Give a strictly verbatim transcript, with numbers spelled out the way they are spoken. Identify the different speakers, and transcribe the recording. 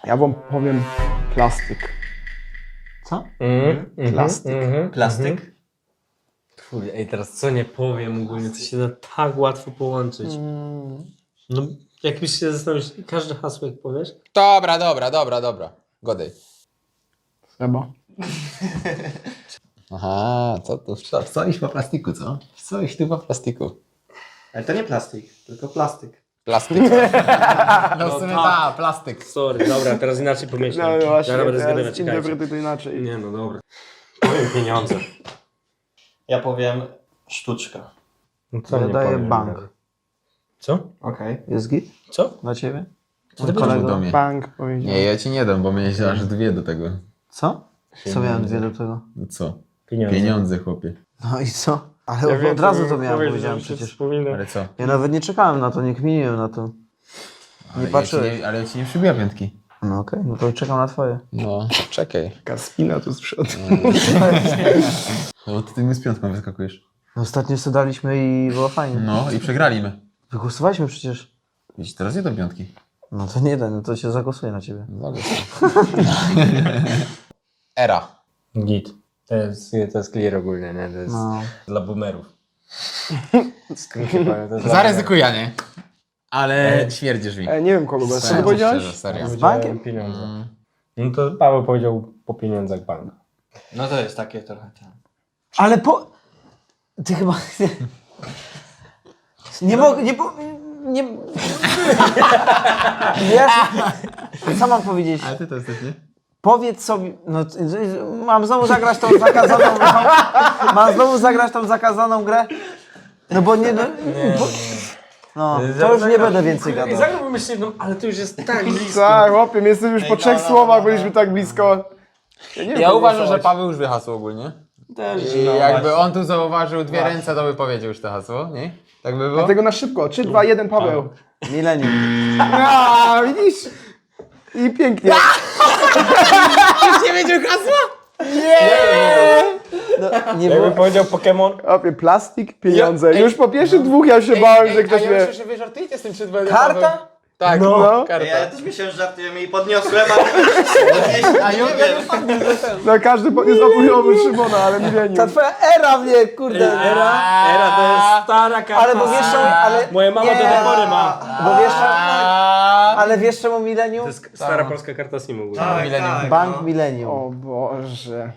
Speaker 1: Ja wam powiem plastyk.
Speaker 2: Co?
Speaker 3: Mhm, mhm,
Speaker 1: Plastyk.
Speaker 3: mhm,
Speaker 4: Plastyk?
Speaker 3: mhm. Kurde, ej, teraz co nie powiem ogólnie, to się da tak łatwo połączyć. No, jakbyś się zastanowić, każde hasło jak powiesz,
Speaker 5: Dobra, dobra, dobra, dobra. Godej.
Speaker 1: Chyba.
Speaker 5: Aha, co tu? Co, coś po plastiku, co? Coś tu po plastiku.
Speaker 4: Ale to nie plastik, tylko plastyk.
Speaker 5: Plastik. No w sumie
Speaker 3: tak.
Speaker 5: ta, plastyk.
Speaker 3: sorry, dobra, teraz inaczej
Speaker 1: No,
Speaker 3: pomyślałem.
Speaker 1: no właśnie,
Speaker 3: Zaraz będę zgadywać,
Speaker 1: teraz
Speaker 3: czekajcie.
Speaker 1: interpretuj to inaczej.
Speaker 3: Nie no, dobra. Powiem pieniądze.
Speaker 4: Ja powiem sztuczka.
Speaker 3: No co
Speaker 2: Ja
Speaker 3: nie
Speaker 2: daję
Speaker 3: powiem?
Speaker 2: bank.
Speaker 3: Co?
Speaker 4: Okej.
Speaker 2: Jest git?
Speaker 3: Co?
Speaker 2: Dla ciebie?
Speaker 5: Co ty
Speaker 2: kolego?
Speaker 5: do mnie?
Speaker 1: Bank powiedział.
Speaker 5: Nie, ja ci nie dam, bo miałeś aż dwie do tego.
Speaker 2: Co? Co miałem dwie do tego?
Speaker 5: No co?
Speaker 3: Pieniądze.
Speaker 5: Pieniądze, chłopie.
Speaker 2: No i co? Ale od razu to miałem, powiedziałem przecież.
Speaker 5: Ale co?
Speaker 2: Ja nawet nie czekałem na to, nie kminiłem na to.
Speaker 5: Ale
Speaker 2: Nie
Speaker 5: ja ci
Speaker 2: patrzyłeś.
Speaker 5: nie, ale ja ci nie przybiła piątki.
Speaker 2: No okej, no to czekam na twoje.
Speaker 5: No, czekaj.
Speaker 1: Taka spina tu z przodu.
Speaker 5: No to ty mi z piątką wyskakujesz.
Speaker 2: No ostatnio sobie daliśmy i było fajnie.
Speaker 5: No i przegraliśmy.
Speaker 2: Wygłosowaliśmy przecież.
Speaker 5: Widzisz, teraz nie do piątki.
Speaker 2: No to nie da, no to się zagłosuję na ciebie.
Speaker 5: Zgadza się. Era.
Speaker 3: Git. To jest, to jest clear ogólnie, nie? To jest
Speaker 2: No.
Speaker 3: dla boomerów. Skrócie powiem, to jest dla
Speaker 5: Zaryzykuję, nie? Ale śmierdzisz mi.
Speaker 1: E, nie wiem kogo, bo co ty
Speaker 5: Serio,
Speaker 1: powiedziałeś?
Speaker 5: szczerze, serio.
Speaker 3: boomerów.
Speaker 2: Z bankiem?
Speaker 3: Powiedziałem Pieniądze.
Speaker 5: Mm.
Speaker 3: No to Paweł powiedział po pieniądzach bank.
Speaker 4: No to jest takie trochę tam.
Speaker 2: Ale po... Ty chyba... Nie mogę, nie po... Nie... Wiesz, co mam powiedzieć?
Speaker 5: Ale ty to jesteś, nie?
Speaker 2: Powiedz sobie... No, t- mam znowu zagrać tą zakazaną... Mam znowu zagrać tą zakazaną grę? No bo nie... No, bo, no to już nie będę więcej
Speaker 3: I
Speaker 2: gadał.
Speaker 3: zagrałbym jeszcze jedną, ale to już jest tak blisko.
Speaker 1: Tak, chłopie, my jesteśmy już po
Speaker 4: Ej,
Speaker 1: trzech
Speaker 4: no, no,
Speaker 1: słowach,
Speaker 4: no,
Speaker 1: byliśmy tak blisko. Ja, nie wiem,
Speaker 5: Ja
Speaker 1: kogo
Speaker 5: uważam, że
Speaker 1: głosować.
Speaker 5: Paweł już wyhasł ogólnie.
Speaker 2: Też.
Speaker 5: I
Speaker 4: No
Speaker 5: jakby
Speaker 4: właśnie.
Speaker 5: on tu zauważył dwie ręce, to by powiedział już to hasło, nie? Tak by było?
Speaker 1: Dlatego na szybko. trzy, dwa, jeden, Paweł.
Speaker 2: Milenium.
Speaker 1: A, widzisz? I pięknie.
Speaker 5: nie wiedział hasła?
Speaker 2: No, nie
Speaker 3: Jakby
Speaker 2: było...
Speaker 3: powiedział Pokémon,
Speaker 1: Chłopie, plastik, pieniądze.
Speaker 5: Ja- ej,
Speaker 1: Już po pierwszych dwóch ja się bałem, że ktoś
Speaker 5: a ja
Speaker 1: wie.
Speaker 5: myślę, że wy żartujecie z tym przed Paweł.
Speaker 2: Karta?
Speaker 5: Tak,
Speaker 1: No.
Speaker 5: no. Karta.
Speaker 4: Ja też myślałem, że żartujemy i podniosłem, ale podnieść
Speaker 5: A
Speaker 4: nie
Speaker 5: ja
Speaker 4: wiem.
Speaker 1: No każdy podniósł opóźniony Szymona, ale
Speaker 2: Ta
Speaker 1: milenium.
Speaker 2: twoja era mnie, kurde.
Speaker 3: Era, era to jest stara karta.
Speaker 2: Ale bo wiesz czemu... Ale...
Speaker 3: Moja mama
Speaker 2: nie,
Speaker 3: do tej pory ma.
Speaker 2: Bo wiesz czemu...
Speaker 5: A...
Speaker 2: Ale wiesz czemu milenium?
Speaker 3: To jest stara polska karta Simu.
Speaker 4: Tak,
Speaker 5: Millennium.
Speaker 4: tak,
Speaker 2: Bank
Speaker 4: no.
Speaker 2: milenium.
Speaker 1: O Boże.